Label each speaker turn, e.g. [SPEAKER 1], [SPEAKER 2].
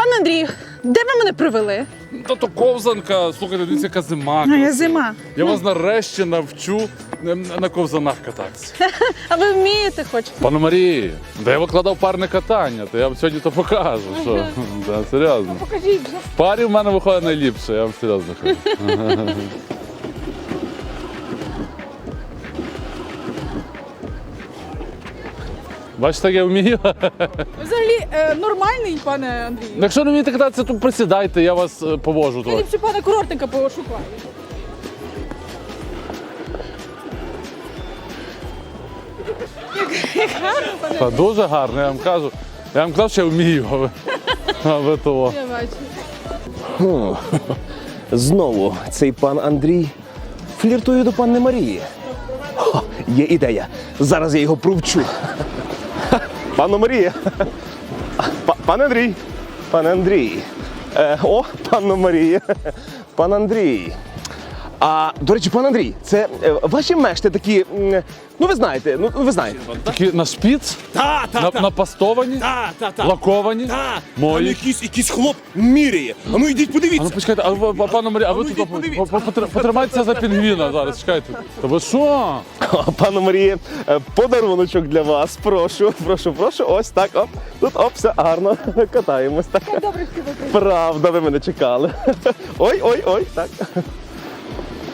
[SPEAKER 1] Пане Андрію, де ви мене привели?
[SPEAKER 2] Та то ковзанка, слухайте, дивіться, яка зима.
[SPEAKER 1] Я зима.
[SPEAKER 2] Я вас нарешті навчу на ковзанах кататися.
[SPEAKER 1] А ви вмієте хоч?
[SPEAKER 2] Пане Марії, де я викладав парне катання, то я вам сьогодні то покажу. Що? Да, серйозно.
[SPEAKER 1] Покажіть вже.
[SPEAKER 2] В парі в мене виходить найліпше, я вам серйозно кажу. Бачите, як я вмію?
[SPEAKER 1] Взагалі нормальний, пане Андрію.
[SPEAKER 2] Якщо не вмієте кататися, то присідайте, я вас повожу
[SPEAKER 1] Я
[SPEAKER 2] трохи.
[SPEAKER 1] ліпше пана курортника пошукаю. Як гарно, пане.
[SPEAKER 2] Та дуже гарно, я вам кажу. Я вам казав, що я вмію, а ви того.
[SPEAKER 1] Я бачу.
[SPEAKER 3] Знову цей пан Андрій фліртує до панни Марії. О, є ідея. Зараз я його провчу. Панно Марія. Пан Андрій. Пан Андрій. Панно Марія. Пан Андрій. До речі, пан Андрій, це ваші мешти такі, ну ви знаєте.
[SPEAKER 2] Такі на шпіц, напастовані, лаковані,
[SPEAKER 4] Там
[SPEAKER 2] мої.
[SPEAKER 4] якийсь хлоп міряє. А ну йдіть
[SPEAKER 2] А ну
[SPEAKER 4] подивіться.
[SPEAKER 2] почекайте, пане Марія, а ви
[SPEAKER 4] ну,
[SPEAKER 2] тут
[SPEAKER 4] йдіть, подивіться.
[SPEAKER 2] потримайтеся за пінгвіна зараз, чекайте. Та ви що?
[SPEAKER 3] Пану Марії, подаруночок для вас. Прошу. Ось так, Тут, все гарно. Катаємось. Так.
[SPEAKER 1] Добре, що ви прийшли.
[SPEAKER 3] Правда, ви мене чекали. Ой, так.